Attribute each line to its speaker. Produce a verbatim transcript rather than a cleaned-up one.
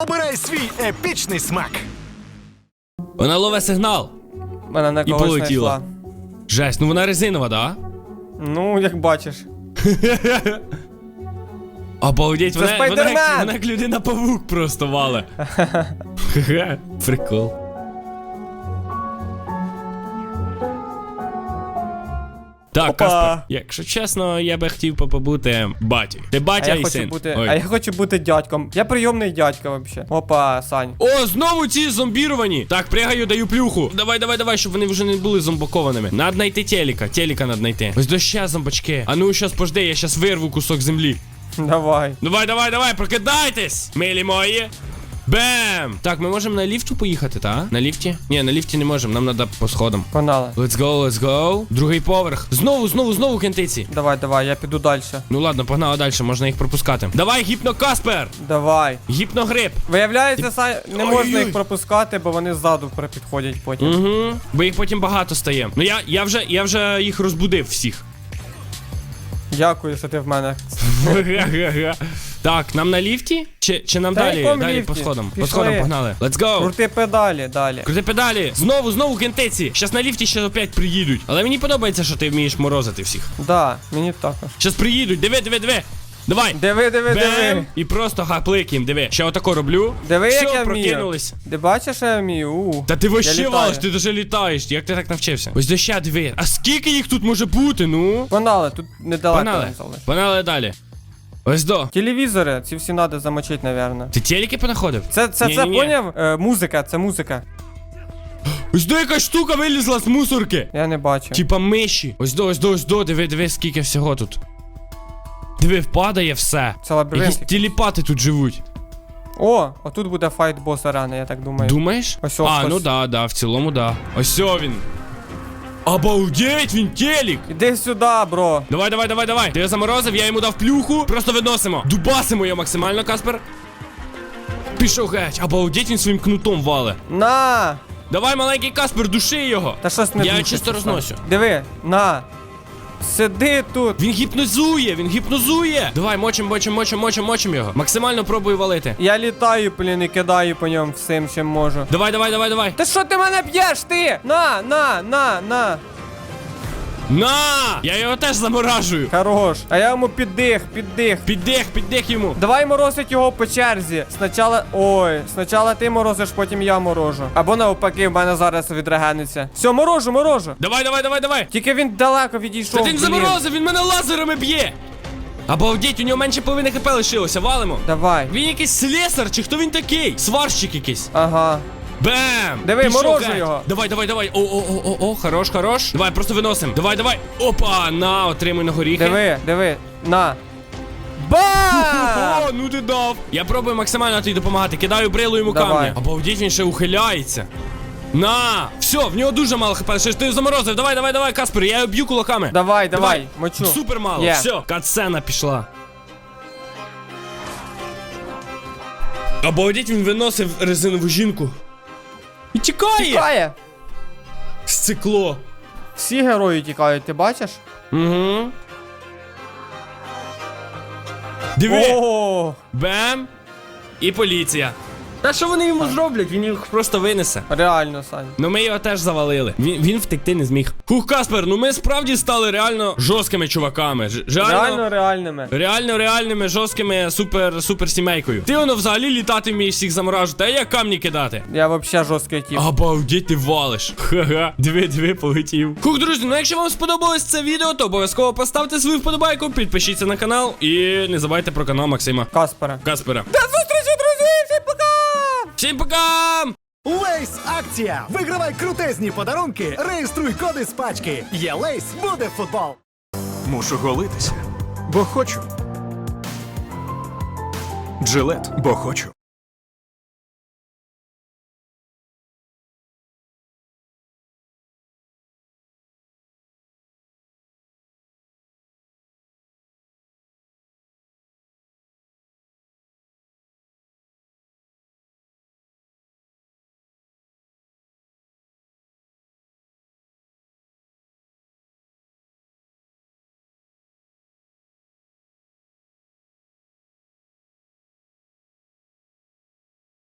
Speaker 1: Обирай свій епічний смак.
Speaker 2: Вона ловить сигнал.
Speaker 3: Вона на
Speaker 2: І
Speaker 3: когось
Speaker 2: полетіла.
Speaker 3: знайшла.
Speaker 2: Жесть, ну вона резинова, да?
Speaker 3: Ну, як бачиш.
Speaker 2: Обалдеть,
Speaker 3: Це
Speaker 2: вона, вона,
Speaker 3: Спайдермен!
Speaker 2: як, вона як людина-павук просто вале. Хе-хе, прикол. Так,
Speaker 3: Опа.
Speaker 2: Каспер, якщо чесно, я би хотів побути батьком. Ти
Speaker 3: А
Speaker 2: батя
Speaker 3: я
Speaker 2: і
Speaker 3: хочу
Speaker 2: син.
Speaker 3: бути.
Speaker 2: Ой.
Speaker 3: А я хочу бути дядьком. Я прийомний дядька вообще. Опа, Сань.
Speaker 2: О, знову ці зомбіровані. Так, пригаю, даю плюху. Давай, давай, давай, щоб вони вже не були зомбакованими. Надо знайти телека, телека надо знайти. Ось до ще зомбачки. А ну, щас пожди, я щас вирву кусок землі.
Speaker 3: Давай.
Speaker 2: Давай, давай, давай, прокидайтесь, милі мої. Бем! Так, ми можемо на ліфту поїхати, та? На ліфті? Ні, на ліфті не можемо, нам треба по сходам.
Speaker 3: Погнали.
Speaker 2: Let's go, let's go. Другий поверх. Знову, знову, знову кентиці.
Speaker 3: Давай, давай, я піду далі.
Speaker 2: Ну ладно, погнали далі, можна їх пропускати. Давай, гіпно-Каспер!
Speaker 3: Давай.
Speaker 2: Гіпногриб.
Speaker 3: Виявляється, Сань, не можна
Speaker 2: Ой-ой.
Speaker 3: їх пропускати, бо вони ззаду підходять потім.
Speaker 2: Угу. Бо їх потім багато стає. Ну я, я вже, я вже їх розбудив всіх.
Speaker 3: Дякую, що ти в мене.
Speaker 2: Так, нам на ліфті? Чи, чи нам
Speaker 3: Та
Speaker 2: далі?
Speaker 3: якому
Speaker 2: Далі
Speaker 3: ліфті?
Speaker 2: по сходам. По
Speaker 3: Пішли.
Speaker 2: сходам погнали. Let's go!
Speaker 3: Крути педалі далі.
Speaker 2: Крути педалі. Знову, знову кентиці. Щас на ліфті ще опять приїдуть. Але мені подобається, що ти вмієш морозити всіх.
Speaker 3: Да, мені також.
Speaker 2: Щас приїдуть. Диви, диви, диви. Давай.
Speaker 3: Диви, диви,
Speaker 2: Бем.
Speaker 3: диви.
Speaker 2: І просто хаплик їм, диви. Ще отако роблю.
Speaker 3: Диви,
Speaker 2: Все,
Speaker 3: як я вмію.
Speaker 2: прокинулись.
Speaker 3: Ти бачиш, що я вмію? У.
Speaker 2: Та ти вообще
Speaker 3: літаю.
Speaker 2: валиш, ти даже літаєш. Як ти так навчився? Ось до ще диви. А скільки їх тут може бути, ну?
Speaker 3: Погнали, тут недалеко.
Speaker 2: Погнали.
Speaker 3: не залиш.
Speaker 2: Погнали далі. Ось до.
Speaker 3: Телевізори, ці всі треба замочити, напевно.
Speaker 2: Ти телеки понаходив?
Speaker 3: Це, це, це,
Speaker 2: Ні-ні-ні.
Speaker 3: поняв? Е, музика, це музика.
Speaker 2: Ось до якась штука вилізла з мусорки.
Speaker 3: Я не бачу.
Speaker 2: Типа миші. Ось до, ось до, ось до, диви, диви, скільки всього тут. Диви, впадає все.
Speaker 3: Це лабіринт.
Speaker 2: Якісь телепати тут живуть.
Speaker 3: О, отут буде файт бос арени, я так думаю.
Speaker 2: Думаєш?
Speaker 3: Ось
Speaker 2: а,
Speaker 3: ось.
Speaker 2: ну да, да, в цілому да. Ось о він. Обалдеть, він телек.
Speaker 3: Іди сюди, бро.
Speaker 2: Давай, давай, давай, давай. Ти його заморозив, я йому дав плюху. Просто виносимо. Дубасимо його максимально, Каспер. Пішов геть. Обалдеть, він своїм кнутом вале.
Speaker 3: На!
Speaker 2: Давай, маленький Каспер, души його.
Speaker 3: Та щось не
Speaker 2: Я
Speaker 3: душиться,
Speaker 2: чисто
Speaker 3: Сань.
Speaker 2: розносю.
Speaker 3: Диви, на. Сиди тут.
Speaker 2: Він гіпнозує, він гіпнозує. Давай, мочим, мочим, мочим, мочим, мочим його. Максимально пробую валити.
Speaker 3: Я літаю, блін, і кидаю по ньому всім, чим можу.
Speaker 2: Давай, давай, давай, давай.
Speaker 3: Та що ти мене б'єш, ти? На, на, на, на.
Speaker 2: На! Я його теж заморажую.
Speaker 3: Хорош. А я йому піддих, піддих.
Speaker 2: Піддих, піддих йому.
Speaker 3: Давай морозить його по черзі. Спочатку. Ой, спочатку ти морозиш, потім я морожу. Або навпаки, в мене зараз відрегениться. Все, морожу, морожу.
Speaker 2: Давай, давай, давай, давай.
Speaker 3: Тільки він далеко відійшов.
Speaker 2: Та він
Speaker 3: блін.
Speaker 2: заморозив, він мене лазерами б'є. Обалдеть, у нього менше половини хп лишилося, валимо.
Speaker 3: Давай.
Speaker 2: Він якийсь слесар, чи хто він такий? Сварщик якийсь.
Speaker 3: Ага.
Speaker 2: Бем!
Speaker 3: Диви,
Speaker 2: Пішов
Speaker 3: морожу
Speaker 2: геть.
Speaker 3: його.
Speaker 2: Давай, давай, давай. О, о, о, о, о, хорош, хорош. Давай, просто виносим. Давай, давай. Опа, на, отримуй на горіхи.
Speaker 3: Диви, диви. На. Бам!
Speaker 2: О, ну ти дав. Я пробую максимально тобі допомагати. Кидаю брилу йому
Speaker 3: Давай.
Speaker 2: камні. Обалдеть, він ще ухиляється. На! Все, в нього дуже мало хп. Ще ж ти заморозив. Давай, давай, давай, Каспер, я його б'ю кулаками.
Speaker 3: Давай, давай, мочу.
Speaker 2: Супер мало.
Speaker 3: Є.
Speaker 2: Все, катсцена пішла. Обалдеть, він виносив резинову жінку. І тікає!
Speaker 3: Тікає.
Speaker 2: Сцикло.
Speaker 3: Всі герої тікають, ти бачиш?
Speaker 2: Угу. Диви!
Speaker 3: О,
Speaker 2: Бем! І поліція. Та що вони йому зроблять? Він їх просто винесе.
Speaker 3: реально, Сань.
Speaker 2: Ну ми його теж завалили. Він, він втекти не зміг. Хух, Каспер, ну ми справді стали реально жорсткими чуваками. Ж-
Speaker 3: Реально
Speaker 2: Реально,
Speaker 3: реальними.
Speaker 2: реально реальними жорсткими супер супер сімейкою. Ти воно взагалі літати вмієш всіх заморажувати, а я камні кидати.
Speaker 3: Я вообще жорсткий тип.
Speaker 2: Обалдеть, ти валиш. Ха-ха. Диви, диви, полетів. Хух, друзі, ну якщо вам сподобалось це відео, то обов'язково поставте свою вподобайку, підпишіться на канал і не забувайте про канал Максима
Speaker 3: Каспера.
Speaker 2: Каспера.
Speaker 3: До зустрічі, друзі! Всім пока!
Speaker 2: Всім пока!
Speaker 1: Лейс акція! Вигравай крутезні подарунки, реєструй коди з пачки. Є Лейс, буде футбол.
Speaker 4: Мушу голитися, бо хочу. Джилет, бо хочу.